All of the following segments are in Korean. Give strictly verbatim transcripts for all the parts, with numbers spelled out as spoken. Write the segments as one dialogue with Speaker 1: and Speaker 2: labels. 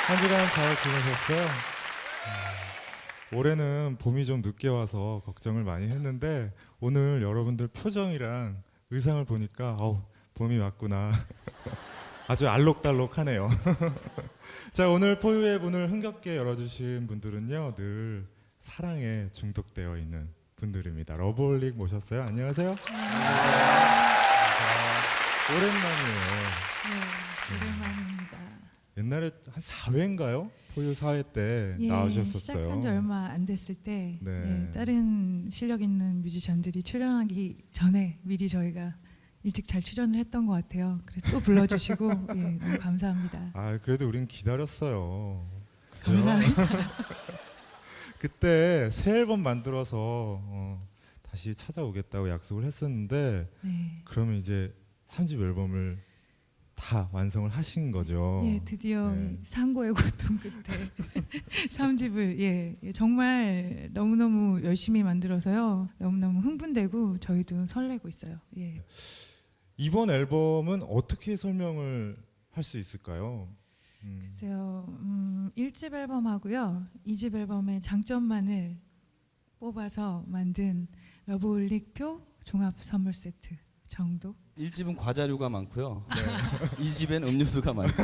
Speaker 1: 한 주간 잘 지내셨어요? 음, 올해는 봄이 좀 늦게 와서 걱정을 많이 했는데 오늘 여러분들 표정이랑 의상을 보니까 어우, 봄이 왔구나. 아주 알록달록하네요. 자, 오늘 포유의 문을 흥겹게 열어주신 분들은요, 늘 사랑에 중독되어 있는 분들입니다. 러브홀릭 모셨어요. 안녕하세요. 오랜만이에요.
Speaker 2: 네, 오랜만입니다.
Speaker 1: 옛날에 한 사 회인가요? 포유 사 회 때
Speaker 2: 예,
Speaker 1: 나오셨었어요.
Speaker 2: 시작한 지 얼마 안 됐을 때
Speaker 1: 네.
Speaker 2: 예, 다른 실력 있는 뮤지션들이 출연하기 전에 미리 저희가 일찍 잘 출연을 했던 것 같아요. 그래서 또 불러주시고 예, 너무 감사합니다.
Speaker 1: 아, 그래도 우린 기다렸어요. 그죠?
Speaker 2: 감사합니다.
Speaker 1: 그때 새 앨범 만들어서 어, 다시 찾아오겠다고 약속을 했었는데
Speaker 2: 네.
Speaker 1: 그러면 이제 삼 집 앨범을 다 완성을 하신 거죠.
Speaker 2: 예, 드디어
Speaker 1: 네.
Speaker 2: 상고의 고통 끝에 삼 집을 예, 예, 정말 너무너무 열심히 만들어서요. 너무너무 흥분되고 저희도 설레고 있어요. 예.
Speaker 1: 이번 앨범은 어떻게 설명을 할 수 있을까요? 음,
Speaker 2: 글쎄요, 음, 일 집 앨범하고요, 이 집 앨범의 장점만을 뽑아서 만든 러브홀릭표 종합 선물 세트 정도?
Speaker 3: 일 집은 과자류가 많고요. 이 집엔 음료수가 많죠.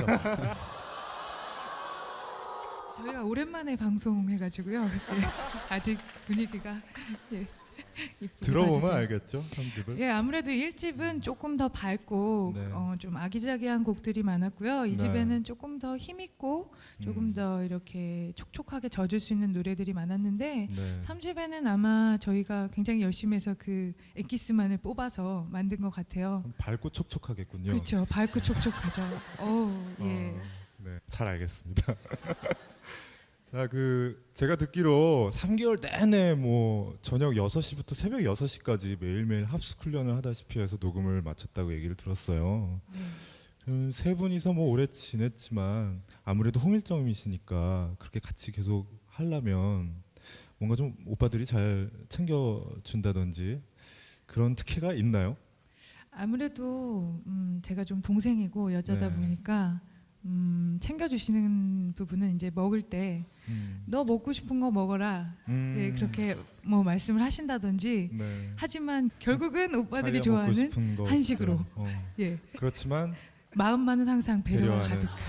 Speaker 2: 저희가 오랜만에 방송해가지고요. 예, 아직 분위기가 예, 이쁘게
Speaker 1: 들어보면
Speaker 2: 봐주세요.
Speaker 1: 알겠죠, 삼 집을.
Speaker 2: 예, 아무래도 일 집은 조금 더 밝고
Speaker 1: 네.
Speaker 2: 어, 좀 아기자기한 곡들이 많았고요. 이
Speaker 1: 네.
Speaker 2: 집에는 조금 더 힘있고 조금
Speaker 1: 음,
Speaker 2: 더 이렇게 촉촉하게 젖을 수 있는 노래들이 많았는데
Speaker 1: 네.
Speaker 2: 삼 집에는 아마 저희가 굉장히 열심히 해서 그 엑기스만을 뽑아서 만든 것 같아요.
Speaker 1: 밝고 촉촉하겠군요.
Speaker 2: 그렇죠. 밝고 촉촉하죠. 어, 예.
Speaker 1: 어, 네, 잘 알겠습니다. 자, 그 제가 듣기로 삼 개월 내내 뭐 저녁 여섯 시부터 새벽 여섯 시까지 매일매일 합숙 훈련을 하다시피 해서 녹음을 마쳤다고 얘기를 들었어요.
Speaker 2: 네.
Speaker 1: 음, 세 분이서 뭐 오래 지냈지만 아무래도 홍일점이시니까 그렇게 같이 계속 하려면 뭔가 좀 오빠들이 잘 챙겨준다든지 그런 특혜가 있나요?
Speaker 2: 아무래도 음, 제가 좀 동생이고 여자다
Speaker 1: 네.
Speaker 2: 보니까 음, 챙겨주시는 부분은 이제 먹을 때 너
Speaker 1: 음.
Speaker 2: 먹고 싶은 거 먹어라.
Speaker 1: 음.
Speaker 2: 예, 그렇게 뭐 말씀을 하신다든지.
Speaker 1: 네.
Speaker 2: 하지만 결국은 오빠들이
Speaker 1: 자기가 먹고
Speaker 2: 좋아하는
Speaker 1: 싶은 거
Speaker 2: 한식으로.
Speaker 1: 있죠. 어.
Speaker 2: 예,
Speaker 1: 그렇지만
Speaker 2: 마음만은 항상 배려가
Speaker 1: 배려하는.
Speaker 2: 가득한.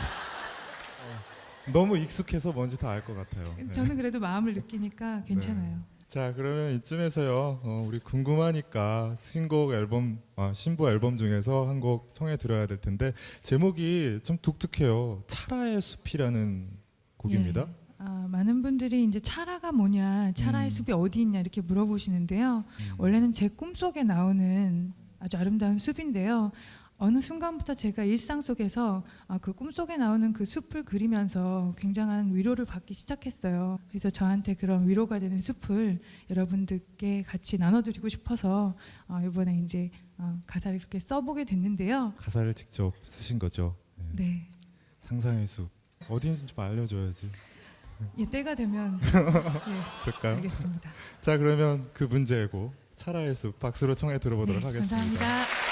Speaker 1: 너무 익숙해서 뭔지 다 알 것 같아요. 네.
Speaker 2: 저는 그래도 마음을 느끼니까 괜찮아요.
Speaker 1: 자, 그러면 이쯤에서요. 어, 우리 궁금하니까 신곡 앨범, 아, 신부 앨범 중에서 한 곡 청해 들어야 될 텐데 제목이 좀 독특해요. 찰아의 숲이라는 곡입니다.
Speaker 2: 예. 아, 많은 분들이 이제 찰아가 뭐냐, 찰아의
Speaker 1: 음.
Speaker 2: 숲이 어디 있냐 이렇게 물어보시는데요.
Speaker 1: 음.
Speaker 2: 원래는 제 꿈속에 나오는 아주 아름다운 숲인데요. 어느 순간부터 제가 일상 속에서 아, 그 꿈속에 나오는 그 숲을 그리면서 굉장한 위로를 받기 시작했어요. 그래서 저한테 그런 위로가 되는 숲을 여러분들께 같이 나눠드리고 싶어서 어, 이번에 이제 어, 가사를 이렇게 써보게 됐는데요.
Speaker 1: 가사를 직접 쓰신 거죠. 네.
Speaker 2: 네,
Speaker 1: 상상의 숲 어디인지 좀 알려줘야지.
Speaker 2: 예, 때가 되면 예,
Speaker 1: 그럴까요?
Speaker 2: 알겠습니다.
Speaker 1: 자, 그러면 그 문제고 찰아의 숲 박수로 청해 들어보도록
Speaker 2: 네,
Speaker 1: 하겠습니다.
Speaker 2: 감사합니다.